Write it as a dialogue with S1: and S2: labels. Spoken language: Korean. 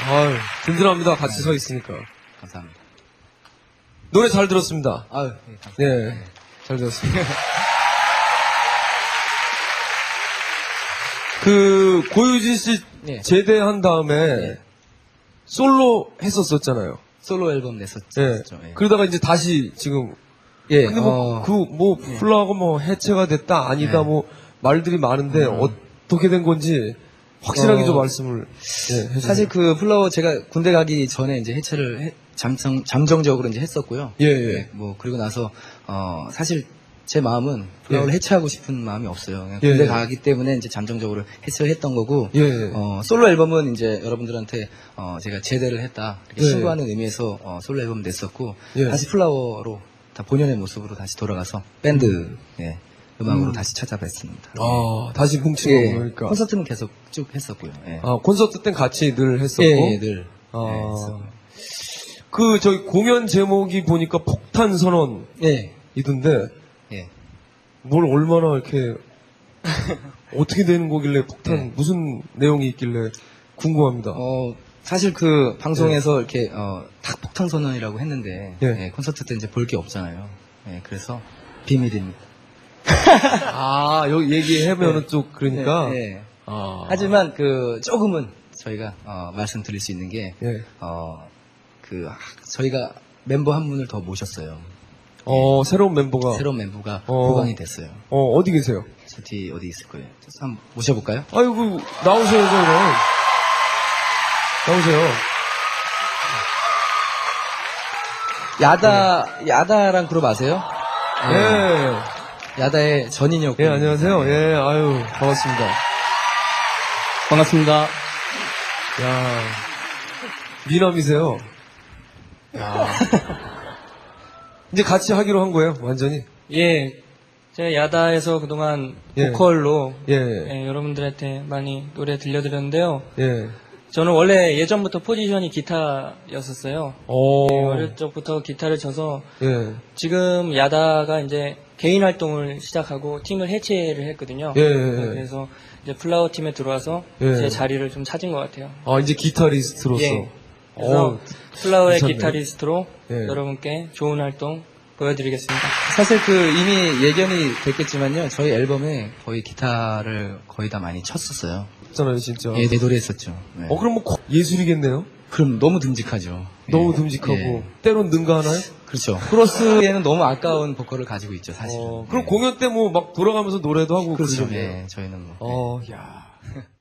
S1: 아유, 든든합니다. 같이 서 있으니까.
S2: 감사합니다.
S1: 노래 잘 들었습니다.
S2: 아유, 네, 감사합니다.
S1: 네, 잘 들었습니다. 그 고유진 씨
S2: 네.
S1: 제대한 다음에
S2: 네.
S1: 솔로 했었잖아요.
S2: 솔로 앨범 냈었죠.
S1: 네.
S2: 예.
S1: 그러다가 이제 다시 지금
S2: 예,
S1: 근데 플라워가 뭐 해체가 됐다 아니다
S2: 네.
S1: 뭐 말들이 많은데 어떻게 된 건지 확실하게 좀 말씀을 해주세요.
S2: 사실 그 플라워 제가 군대 가기 전에 이제 해체를 잠정적으로 이제 했었고요.
S1: 예.
S2: 네, 뭐 그리고 나서 사실 제 마음은 플라워를 해체하고 싶은 마음이 없어요. 그냥
S1: 예.
S2: 군대 가기 때문에 이제 잠정적으로 해체를 했던 거고.
S1: 예.
S2: 솔로 앨범은 이제 여러분들한테 제가 제대를 했다 이렇게
S1: 예.
S2: 신고하는 의미에서 솔로 앨범 냈었고
S1: 예.
S2: 다시 플라워로 다 본연의 모습으로 다시 돌아가서 밴드 음악으로 다시 찾아뵀습니다.
S1: 아, 다시 뭉친
S2: 예,
S1: 거고 그러니까.
S2: 콘서트는 계속 쭉 했었고요. 예.
S1: 아, 콘서트 땐 같이 늘 했었고.
S2: 예, 늘.
S1: 아.
S2: 했었고요.
S1: 그 저희 공연 제목이 보니까 폭탄 선언이던데
S2: 예.
S1: 뭘 얼마나 이렇게 어떻게 되는 거길래 폭탄 무슨 내용이 있길래 궁금합니다.
S2: 사실 그 방송에서 이렇게 탁 폭탄 선언이라고 했는데
S1: 예.
S2: 콘서트 때 이제 볼 게 없잖아요. 그래서 비밀입니다.
S1: 아, 여기 얘기하면은 또 그러니까.
S2: 네.
S1: 아.
S2: 하지만 그 조금은 저희가 말씀드릴 수 있는 게
S1: 예.
S2: 저희가 멤버 한 분을 더 모셨어요.
S1: 새로운 멤버가.
S2: 새로운 멤버가 보강이 됐어요.
S1: 어디 계세요?
S2: 저 뒤에 어디 있을 거예요. 한번 모셔볼까요?
S1: 아이고, 나오세요, 그럼. 나오세요.
S2: 야다랑 그룹 아세요?
S1: 예.
S2: 야다의 전인혁.
S1: 예, 안녕하세요. 예, 아유, 반갑습니다.
S3: 반갑습니다.
S1: 야, 미남이세요. 야. 이제 같이 하기로 한 거예요, 완전히?
S3: 예, 제가 야다에서 그동안
S1: 예.
S3: 보컬로
S1: 예.
S3: 여러분들한테 많이 노래 들려드렸는데요.
S1: 예.
S3: 저는 원래 예전부터 포지션이 기타였었어요. 어릴 적부터 기타를 쳐서
S1: 예.
S3: 지금 야다가 이제 개인 활동을 시작하고 팀을 해체를 했거든요.
S1: 예.
S3: 그래서 이제 플라워 팀에 들어와서
S1: 예.
S3: 제 자리를 좀 찾은 것 같아요.
S1: 아, 이제 기타리스트로서.
S3: 예. 그래서 플라워의
S1: 괜찮네.
S3: 기타리스트로
S1: 예.
S3: 여러분께 좋은 활동 보여드리겠습니다.
S2: 사실 그 이미 예견이 됐겠지만요. 저희 앨범에 거의 기타를 거의 다 많이 쳤었어요.
S1: 잖아요, 진짜.
S2: 예, 내 노래 했었죠. 네.
S1: 그럼 뭐 예술이겠네요?
S2: 그럼 너무 듬직하죠.
S1: 너무
S2: 예.
S1: 듬직하고.
S2: 예.
S1: 때론 능가하나요?
S2: 그렇죠. 크로스에는 너무 아까운 보컬을 가지고 있죠, 사실은.
S1: 그럼
S2: 예.
S1: 공연 때 뭐 막 돌아가면서 노래도 하고
S2: 그렇죠.
S1: 그러겠네요.
S2: 예, 저희는 뭐.
S1: 야.